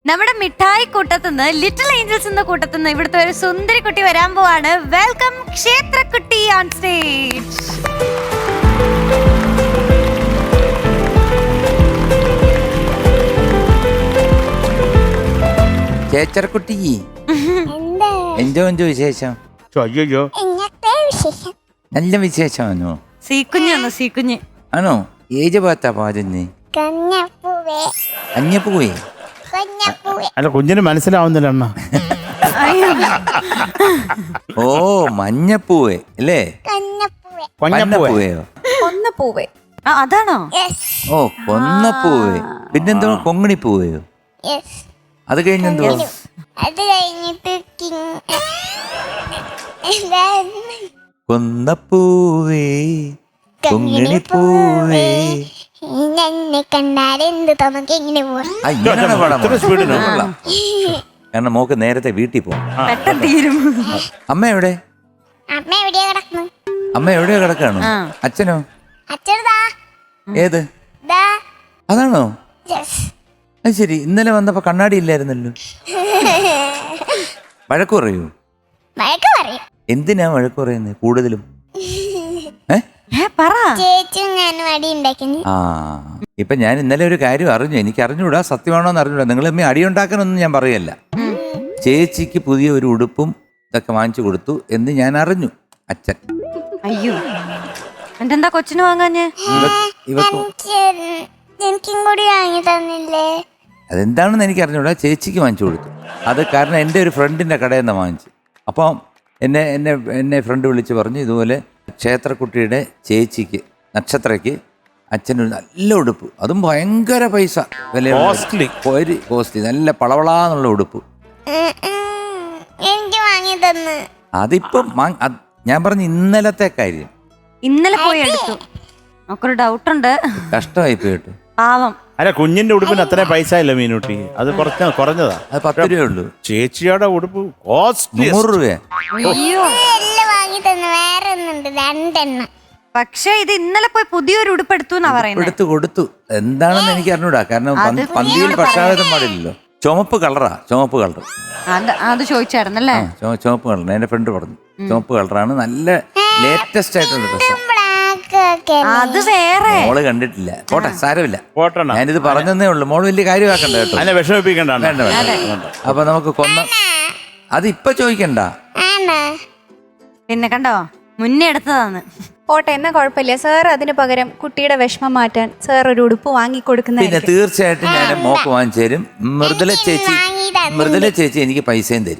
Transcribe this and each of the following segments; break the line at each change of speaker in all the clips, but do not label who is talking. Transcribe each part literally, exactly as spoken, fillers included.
നമ്മുടെ മിഠായി കൂട്ടത്തുനിന്ന് little Angeles എന്ന കൂട്ടത്തുനിന്ന് ഇവിടുത്തെ ഒരു സുന്ദരി കുട്ടി വരാൻ പോവാണ്. വെൽക്കം ക്ഷേത്രക്കുട്ടി ഓൺ സ്റ്റേജ്.
ചേച്ചർക്കുട്ടി എന്തോ എന്തോ വിശേഷം?
അയ്യോ
നല്ല വിശേഷമാണോ?
സീക്കുഞ്ഞാണോ? സീക്കുഞ്ഞ്
ആണോ? ഏത് ഭാഗത്താ പാടുന്നേ? കഞ്ഞപ്പൂവേ?
അല്ല കുഞ്ഞിന് മനസ്സിലാവുന്നില്ല അണ്ണ.
ഓ മഞ്ഞപ്പൂവേ അല്ലേ? കൊന്നപ്പൂവയോ?
കൊന്നപ്പൂവേ
അതാണോ?
ഓ കൊന്നപ്പൂവേ. പിന്നെന്തോ കൊങ്ങിണിപ്പൂവയോ? അത് കഴിഞ്ഞെന്തോ?
അത് കഴിഞ്ഞിട്ട്
കൊന്നപ്പൂവേ കൊങ്ങിണിപ്പൂവേ
എന്നെ കണ്ടാലെന്ത് നമുക്ക് എങ്ങനെ
പോവാം. കാരണം മോക്ക് നേരത്തെ വീട്ടിൽ പോകും.
പെട്ടെന്ന് തീരും.
അമ്മ എവിടെ?
അമ്മ എവിടെയാ കിടക്കുന്നു?
അമ്മ എവിടെയോ കിടക്കാണോ? അച്ഛനോ?
അച്ഛനതാ.
ഏത്? അതാണോ? അത് ശരി. ഇന്നലെ വന്നപ്പോ കണ്ണാടി ഇല്ലായിരുന്നല്ലോ. വഴക്ക് പറയൂ?
വഴക്ക് പറയും.
എന്തിനാ വഴക്ക് പറയുന്നത് കൂടുതലും?
ചേച്ചിയും ഞാനും അടി ഉണ്ടാക്കുന്നു.
ആ ഇപ്പൊ ഞാൻ ഇന്നലെ ഒരു കാര്യം അറിഞ്ഞു. എനിക്ക് അറിഞ്ഞൂടാ, സത്യമാണോ എന്ന് അറിഞ്ഞൂടാ. നിങ്ങൾ അമ്മ അടി ഉണ്ടാക്കാനൊന്നും ഞാൻ പറയല്ല. ചേച്ചിക്ക് പുതിയ ഒരു ഉടുപ്പും ഇതൊക്കെ വാങ്ങിച്ചു കൊടുത്തു എന്ന് ഞാൻ അറിഞ്ഞു. അച്ഛൻ
അയ്യോ എന്താ കൊച്ചിന് വാങ്ങാഞ്ഞേ?
എനിക്കും കൂടി വാങ്ങി തന്നില്ലേ?
അതെന്താണെന്ന് എനിക്ക് അറിഞ്ഞൂടാ. ചേച്ചിക്ക് വാങ്ങിച്ചു കൊടുത്തു. അത് കാരണം എൻ്റെ ഒരു ഫ്രണ്ടിൻ്റെ കടയിൽ നിന്ന് വാങ്ങിച്ചു. അപ്പം എന്നെ എന്നെ എന്നെ ഫ്രണ്ട് വിളിച്ച് പറഞ്ഞു, ഇതുപോലെ ക്ഷേത്രക്കുട്ടിയുടെ ചേച്ചിക്ക് നക്ഷത്രയ്ക്ക് അച്ഛനൊരു നല്ല ഉടുപ്പ്, അതും ഭയങ്കര പൈസ വില,
കോസ്റ്റ്ലി
ഒരു കോസ്റ്റ്ലി നല്ല പളവളാന്നുള്ള ഉടുപ്പ്
എനിക്ക് വാങ്ങി തന്നു.
അതിപ്പം ഞാൻ പറഞ്ഞു ഇന്നലത്തെ കാര്യം.
ഇന്നലെ പോയി എടുത്തു. നമുക്കൊരു ഡൗട്ടുണ്ട്.
കഷ്ടമായി പോയിട്ട്
പാവം.
അല്ല കുഞ്ഞിന്റെ ഉടുപ്പിന് അത്ര പൈസ ഇല്ല മീനുട്ടി. അത് കുറച്ച് കുറഞ്ഞതാ.
അത് പത്ത് രൂപയേ ഉള്ളൂ.
ചേച്ചിയുടെ ഉടുപ്പ് കോസ്റ്റ്ലി
നൂറ് രൂപ.
അയ്യോ
എല്ലാം വാങ്ങി തന്നു. വേറെ ഒന്നുണ്ട്, രണ്ടെണ്ണം.
പക്ഷെ ഇത് ഇന്നലെ പോയി പുതിയൊരു ഉടുപ്പ് എടുത്തു എന്നാ പറയുന്നത്.
എടുത്തു കൊടുത്തു. എന്താണെന്ന് എനിക്ക് അറിഞ്ഞൂടാ. കാരണം പന്തിയിൽ പക്ഷാഭേദം പാടില്ലല്ലോ. ചുമപ്പ് കളറാ, ചുമപ്പ് കളർ.
അത് ചോദിച്ചായിരുന്നല്ലേ?
ചുമപ്പ് കളർ എന്റെ ഫ്രണ്ട് പറഞ്ഞു. ചുമപ്പ് കളറാണ്, നല്ല ലേറ്റസ്റ്റ് ആയിട്ടുള്ള ഡ്രസ്സ്.
അത് വേറെ
മോള് കണ്ടിട്ടില്ല. പോട്ടെ, സാരമില്ല.
പോട്ടെ,
ഞാനിത് പറഞ്ഞതേ ഉള്ളൂ. മോള് വലിയ കാര്യമാക്കണ്ട കേട്ടോ.
അതിനെ വിഷമിപ്പിക്കണ്ട.
വേണ്ട വേണ്ട. അപ്പൊ നമുക്ക് കൊന്ന അത് ഇപ്പൊ ചോദിക്കണ്ട.
പിന്നെ കണ്ടോ, മുന്നേ എടുത്തതാണ്.
പോട്ടെ, എന്നാ കുഴപ്പമില്ല സാർ. അതിന് പകരം കുട്ടിയുടെ വിഷമം മാറ്റാൻ സാർ ഒരു ഉടുപ്പ് വാങ്ങിക്കൊടുക്കുന്ന.
പിന്നെ തീർച്ചയായിട്ടും ഞാൻ മോക്ക് വാങ്ങിച്ചു തരും. മൃദുല ചേച്ചി മൃദുല ചേച്ചി എനിക്ക് പൈസയും തരും.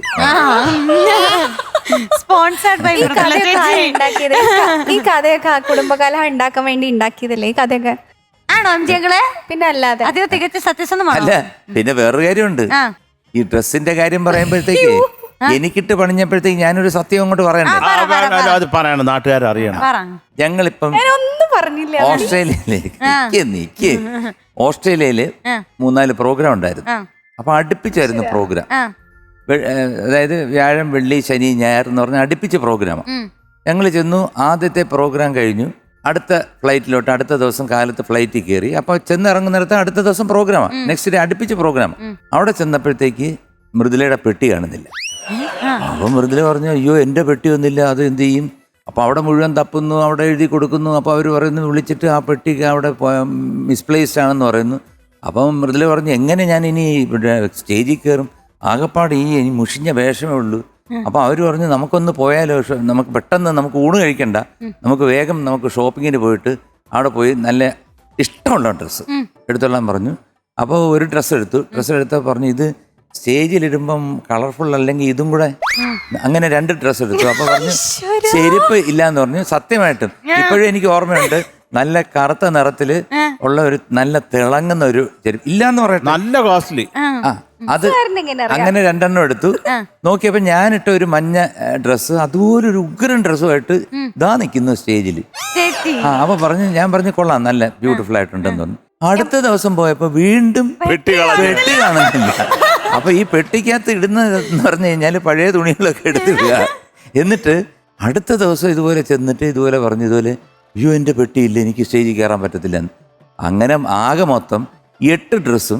സ്പോൺസർഡ് ബൈ
ഉണ്ടാക്കിയത് ഈ കഥയൊക്കെ കുടുംബകലഹം ഉണ്ടാക്കാൻ വേണ്ടി ഉണ്ടാക്കിയതല്ലേ ഈ കഥയൊക്കെ?
ആണോ അഞ്ചികളെ?
പിന്നെ അല്ലാതെ
അത് തികച്ച സത്യസന്ധമാണ്.
അല്ല, പിന്നെ വേറൊരു കാര്യമുണ്ട്. ഈ ഡ്രസ്സിന്റെ കാര്യം പറയുമ്പോഴത്തേക്ക് എനിക്കിട്ട് പണിഞ്ഞപ്പോഴത്തേക്ക് ഞാനൊരു സത്യം അങ്ങോട്ട് പറയണ്ടേ?
അത് പറയണം, നാട്ടുകാർ അറിയണം.
ഞങ്ങളിപ്പം
ഒന്നും പറഞ്ഞില്ല.
ഓസ്ട്രേലിയയിലേക്ക് നിക്ക് ഓസ്ട്രേലിയയില് മൂന്നാല് പ്രോഗ്രാം ഉണ്ടായിരുന്നു. അപ്പൊ അടുപ്പിച്ചായിരുന്നു പ്രോഗ്രാം. അതായത് വ്യാഴം, വെള്ളി, ശനി, ഞായർ എന്ന് പറഞ്ഞാൽ അടുപ്പിച്ച് പ്രോഗ്രാം. ഞങ്ങൾ ചെന്നു. ആദ്യത്തെ പ്രോഗ്രാം കഴിഞ്ഞു. അടുത്ത ഫ്ലൈറ്റിലോട്ട് അടുത്ത ദിവസം കാലത്ത് ഫ്ലൈറ്റിൽ കയറി. അപ്പൊ ചെന്നിറങ്ങുന്നിടത്ത് അടുത്ത ദിവസം പ്രോഗ്രാമാണ്. നെക്സ്റ്റ് ഡേ അടുപ്പിച്ച് പ്രോഗ്രാം. അവിടെ ചെന്നപ്പോഴത്തേക്ക് മൃദുലയുടെ പെട്ടി കാണുന്നില്ല. അപ്പൊ മൃദുല പറഞ്ഞു, അയ്യോ എൻ്റെ പെട്ടി ഒന്നില്ല, അത് എന്ത് ചെയ്യും? അപ്പൊ അവിടെ മുഴുവൻ തപ്പുന്നു, അവിടെ എഴുതി കൊടുക്കുന്നു. അപ്പൊ അവർ പറയുന്നു, വിളിച്ചിട്ട് ആ പെട്ടിക്ക് അവിടെ മിസ്പ്ലേസ്ഡ് ആണെന്ന് പറയുന്നു. അപ്പം മൃദുല പറഞ്ഞു, എങ്ങനെ ഞാൻ ഇനി സ്റ്റേജിൽ കയറും? ആകപ്പാട് ഈ ഇനി മുഷിഞ്ഞ വേഷമേ ഉള്ളൂ. അപ്പൊ അവർ പറഞ്ഞു, നമുക്കൊന്ന് പോയാലോ, നമുക്ക് പെട്ടെന്ന് നമുക്ക് ഊണ് കഴിക്കണ്ട, നമുക്ക് വേഗം നമുക്ക് ഷോപ്പിങ്ങിന് പോയിട്ട് അവിടെ പോയി നല്ല ഇഷ്ടമുള്ള ഡ്രസ്സ് എടുത്തോളാൻ പറഞ്ഞു. അപ്പോൾ ഒരു ഡ്രസ്സ് എടുത്തു. ഡ്രസ്സ് എടുത്താൽ പറഞ്ഞു, ഇത് സ്റ്റേജിലിടുമ്പം കളർഫുൾ അല്ലെങ്കിൽ ഇതും കൂടെ. അങ്ങനെ രണ്ട് ഡ്രസ്സ് എടുത്തു. അപ്പൊ പറഞ്ഞു ചെരുപ്പ് ഇല്ലാന്ന് പറഞ്ഞു. സത്യമായിട്ടും ഇപ്പോഴും എനിക്ക് ഓർമ്മയുണ്ട്, നല്ല കറുത്ത നിറത്തില് ഉള്ള ഒരു നല്ല തിളങ്ങുന്ന ഒരു ചെരുപ്പ് ഇല്ലാന്ന് പറയട്ടെ, നല്ല
കോസ്റ്റ്ലി.
ആ അത് അങ്ങനെ രണ്ടെണ്ണം എടുത്തു. നോക്കിയപ്പോ ഞാനിട്ട ഒരു മഞ്ഞ ഡ്രസ്സ് അതുപോലൊരു ഉഗ്രൻ ഡ്രസ്സുമായിട്ട് ഇതാ നിൽക്കുന്നു സ്റ്റേജിൽ. ആ അപ്പൊ പറഞ്ഞു, ഞാൻ പറഞ്ഞു കൊള്ളാം, നല്ല ബ്യൂട്ടിഫുൾ ആയിട്ടുണ്ടെന്ന് പറഞ്ഞു. അടുത്ത ദിവസം പോയപ്പോ വീണ്ടും പെട്ടി കാണുന്നില്ല. അപ്പൊ ഈ പെട്ടിക്കകത്ത് ഇടുന്നതെന്ന് പറഞ്ഞു കഴിഞ്ഞാല് പഴയ തുണികളൊക്കെ എടുത്തിടുക. എന്നിട്ട് അടുത്ത ദിവസം ഇതുപോലെ ചെന്നിട്ട് ഇതുപോലെ പറഞ്ഞു, ഇതുപോലെ അയ്യോ എൻ്റെ പെട്ടിയില്ല, എനിക്ക് സ്റ്റേജിൽ കയറാൻ പറ്റത്തില്ലെന്ന്. അങ്ങനെ ആകെ മൊത്തം എട്ട് ഡ്രസ്സും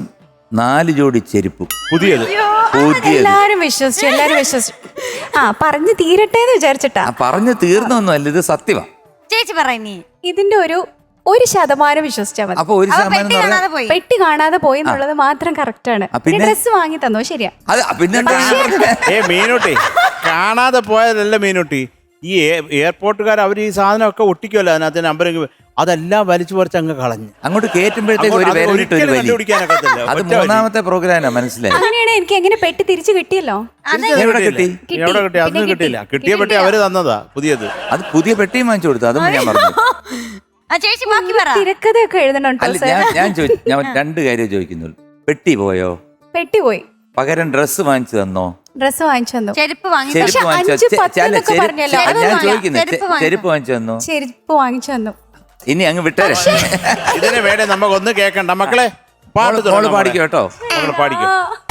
നാല് ജോഡി ചെരുപ്പും
പുതിയത്
പുതിയത്.
എല്ലാരും വിശ്വസിച്ചു എല്ലാരും വിശ്വസിച്ചു. ആ പറഞ്ഞു തീരട്ടെ എന്ന് വിചാരിച്ചിട്ടാ.
ആ പറഞ്ഞു തീർന്നൊന്നുമല്ല, ഇത് സത്യമാണ്.
ചേച്ചി പറയണി
ഇതിന്റെ ഒരു ഒരു ശതമാനം വിശ്വസിച്ചാൽ മതി.
അപ്പൊ ഒരു ശതമാനം
പെട്ടി
എന്ന് പറഞ്ഞാൽ
കാണാതെ പോയി.
പെട്ടി കാണാതെ പോയി എന്നുള്ളത് മാത്രം കറക്റ്റ് ആണ്.
ആ, പിന്നെ?
ഡ്രസ് വാങ്ങി തന്നോ ശരിയാ.
അത് പിന്നെന്താ
ഏ മീനുട്ടി കാണാതെ പോയതല്ല മീനുട്ടി. ഈ എയർപോർട്ടുകാർ അവർ ഈ സാധനമൊക്കെ ഒട്ടിക്കുമല്ലോ അതിനകത്ത് നമ്പറിങ്, അതെല്ലാം വലിച്ചു പറിച്ച് അങ്ങ് കളഞ്ഞു.
അങ്ങോട്ട് കയറ്റുമ്പോഴത്തേക്ക് ഒരു
അത്
വിരലിട്ട് ഒരു
ഒരിക്കലും
വലി.
കണ്ടുപിടിക്കാനൊക്കത്തില്ല.
അത്
ഒറ്റ വലി.
മൂന്നാമത്തെ പ്രോഗ്രാമാണ്, മനസ്സിലായി.
അങ്ങനെയാണ് എനിക്ക് എങ്ങനെ പെട്ടി തിരിച്ചു കിട്ടിയല്ലോ.
എവിടെ കിട്ടി?
കിട്ടി.
എവിടെ കിട്ടി? അതൊന്നും
പിന്നെ
കിട്ടിയില്ല.
കിട്ടി.
കിട്ടിയ പെട്ടി അവര് തന്നതാ പുതിയത്.
അത് പുതിയ പെട്ടിയും വാങ്ങിച്ചു കൊടുത്തു, അതും ഞാൻ പറഞ്ഞു.
ആ ചേച്ചി ബാക്കി പറ.
തിരക്കഥയൊക്കെ എഴുതണുണ്ടോ
അല്ല,
സാർ?
ഞാൻ ഞാൻ ചോദി- ഞാൻ രണ്ട് കാര്യം ചോദിക്കുന്നുള്ളൂ. പെട്ടി പോയോ?
പെട്ടി പോയി.
പകരം ഡ്രസ്സ് വാങ്ങിച്ചു തന്നോ?
ഡ്രസ് വാങ്ങിച്ചു തന്നു.
ചെരുപ്പ് വാങ്ങി
ചെരുപ്പ്
പക്ഷെ
വാങ്ങിച്ചു
അഞ്ച്
ചെ-
പത്ത്
ചെ-
എന്നൊക്കെ
ചെരുപ്പ്
പറഞ്ഞല്ലോ.
ചെ-
അതൊന്നും
ഞാൻ
വാങ്ങി-
ചോദിക്കുന്നത്
ചെരുപ്പ്
ചെ-
വാങ്ങി.
ചെരുപ്പ് വാങ്ങിച്ചു തന്നോ?
ചെരുപ്പ് വാങ്ങിച്ചു തന്നു.
ഇനി അങ്ങ് വിട്ടേരെ.
ഇതിന് വേണേ നമുക്ക് ഒന്ന് കേക്കണ്ട മക്കളെ. പാട്ട്
മോള്
തുടങ്ങാം
പാടിക്കോ കേട്ടോ.
മക്കളെ പാടിക്കോ.